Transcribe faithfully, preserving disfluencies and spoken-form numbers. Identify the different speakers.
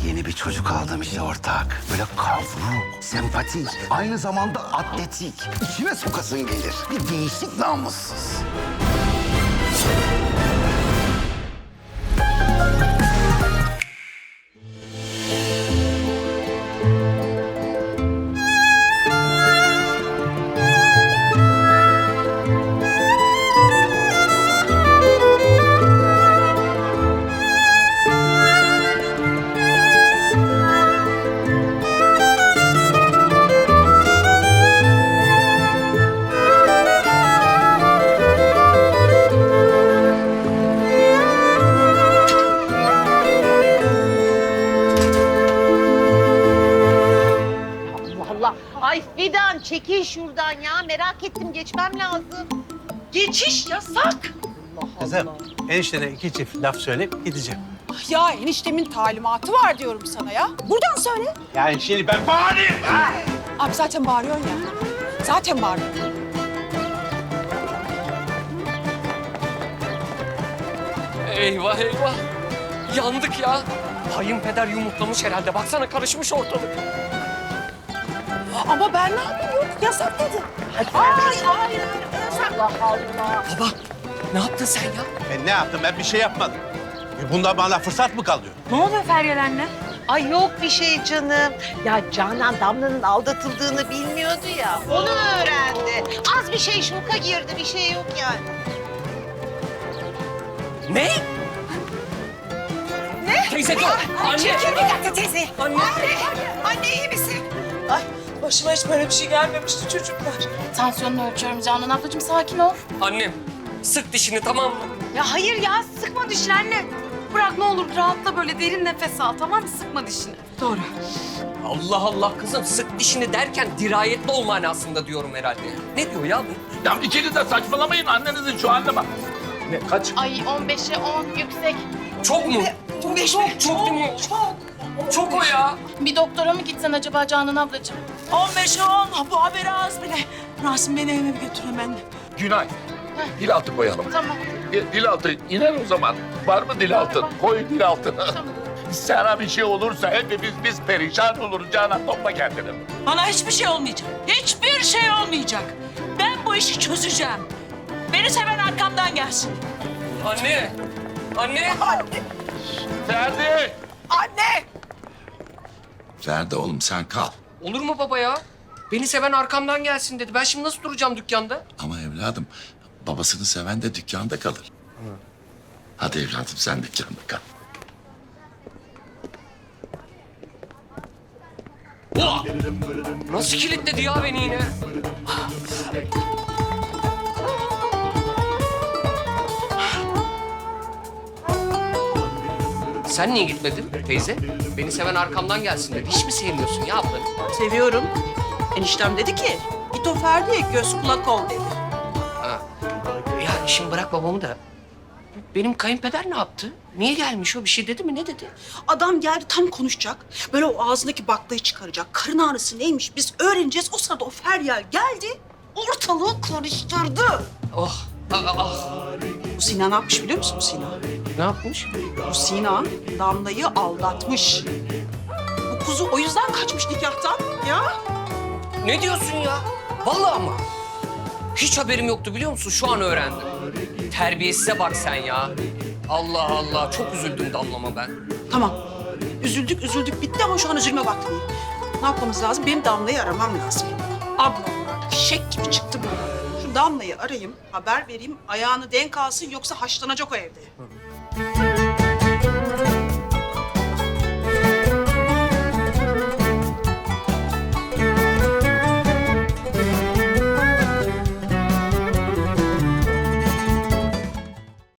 Speaker 1: Yeni bir çocuk aldım işte ortak. Böyle kavruk, sempatik, aynı zamanda atletik. İçime sokasın gelir. Bir değişik namussuz.
Speaker 2: Allah. Ay Fidan çekil şuradan ya. Merak ettim geçmem lazım. Geçiş yasak.
Speaker 3: Kızım, eniştene iki çift laf söyleyip gideceğim.
Speaker 4: Ya eniştemin talimatı var diyorum sana ya. Buradan söyle.
Speaker 3: Yani şimdi ben bağırayım.
Speaker 4: Abi zaten bağırıyorsun ya. Zaten bağırıyorsun.
Speaker 5: Eyvah eyvah. Yandık ya. Kayınpeder yumurtlamış herhalde. Baksana karışmış ortalık.
Speaker 4: Ama ben ne yapayım? Yok yasak dedi. Ay ay yasak. Allah Allah.
Speaker 5: Baba ne yaptın sen ya?
Speaker 3: Ben ne yaptım? Ben bir şey yapmadım. Bundan bana fırsat mı kalıyor?
Speaker 2: Ne oluyor Feryal anne? Ay yok bir şey canım. Ya Canan Damla'nın aldatıldığını bilmiyordu ya. Onu öğrendi. Az bir şey şoka girdi. Bir şey yok yani.
Speaker 5: Ne? Ne? Teyze dur. Anne.
Speaker 4: Çekil bir dakika teyze.
Speaker 5: Anne.
Speaker 4: Anne iyi misin? Ay başıma hiç böyle bir şey gelmemişti çocuklar.
Speaker 6: Tansiyonunu ölçüyorum Canan ablacığım, sakin ol.
Speaker 5: Annem sık dişini tamam mı?
Speaker 6: Ya hayır ya, sıkma dişini anne. Bırak ne olur, rahatla böyle, derin nefes al, tamam mı? Sıkma dişini.
Speaker 4: Doğru.
Speaker 5: Allah Allah kızım sık dişini derken dirayetli ol manasında diyorum herhalde. Ne diyor ya bu?
Speaker 7: Ya ikiniz de saçmalamayın, annenizin şu haline bak.
Speaker 3: Ne, kaç?
Speaker 6: Ay on beşe on yüksek.
Speaker 5: Çok mu?
Speaker 4: Çok
Speaker 5: Çok, çok değil mi?
Speaker 4: Çok.
Speaker 5: Çok o ya.
Speaker 6: Bir doktora mı gitsen acaba Canan ablacığım?
Speaker 4: on beşe on. Bu haberi az bile. Rasim beni eve bir götür hemen.
Speaker 7: Günay, dil altı koyalım.
Speaker 6: Tamam.
Speaker 7: Dil, dil altı iner o zaman. Var mı dil altı? Koy dil altı. Sana bir şey olursa hepimiz biz perişan oluruz. Canan topla kendini.
Speaker 8: Bana hiçbir şey olmayacak. Hiçbir şey olmayacak. Ben bu işi çözeceğim. Beni seven arkamdan gelsin.
Speaker 5: Anne. Anne.
Speaker 7: Ferdi!
Speaker 4: Anne!
Speaker 7: Ferdi oğlum sen kal.
Speaker 5: Olur mu baba ya? Beni seven arkamdan gelsin dedi. Ben şimdi nasıl duracağım dükkanda?
Speaker 7: Ama evladım babasını seven de dükkanda kalır. Hadi evladım sen dükkanda kal.
Speaker 5: Ulan! Nasıl kilitledi ya beni yine? Sen niye gitmedin teyze? Beni seven arkamdan gelsin dedi. Hiç mi sevmiyorsun ya ablanı?
Speaker 8: Seviyorum. Eniştem dedi ki, git o Ferdi'ye göz kulak ol dedi.
Speaker 5: Ha. Ya şimdi bırak babamı da. Benim kayınpeder ne yaptı? Niye gelmiş o? Bir şey dedi mi? Ne dedi?
Speaker 8: Adam geldi tam konuşacak. Böyle o ağzındaki baklayı çıkaracak. Karın ağrısı neymiş biz öğreneceğiz. O sırada o Feryal geldi, ortalığı karıştırdı.
Speaker 5: Oh. Ah, ah, ah.
Speaker 8: Bu Sina ne yapmış biliyor musun bu Sina?
Speaker 5: Ne yapmış?
Speaker 8: Bu Sina Damla'yı aldatmış. Bu kuzu o yüzden kaçmış nikahtan ya.
Speaker 5: Ne diyorsun ya? Vallahi ama. Hiç haberim yoktu biliyor musun? Şu an öğrendim. Terbiyesize bak sen ya. Allah Allah. Çok üzüldüm Damlama ben.
Speaker 8: Tamam. Üzüldük, üzüldük bitti ama şu an üzülme vakti değil. Ne yapmamız lazım? Benim Damla'yı aramam lazım. Ablam fişek gibi çıktı bu. Şu Damla'yı arayayım, haber vereyim, ayağını denk alsın yoksa haşlanacak o evde.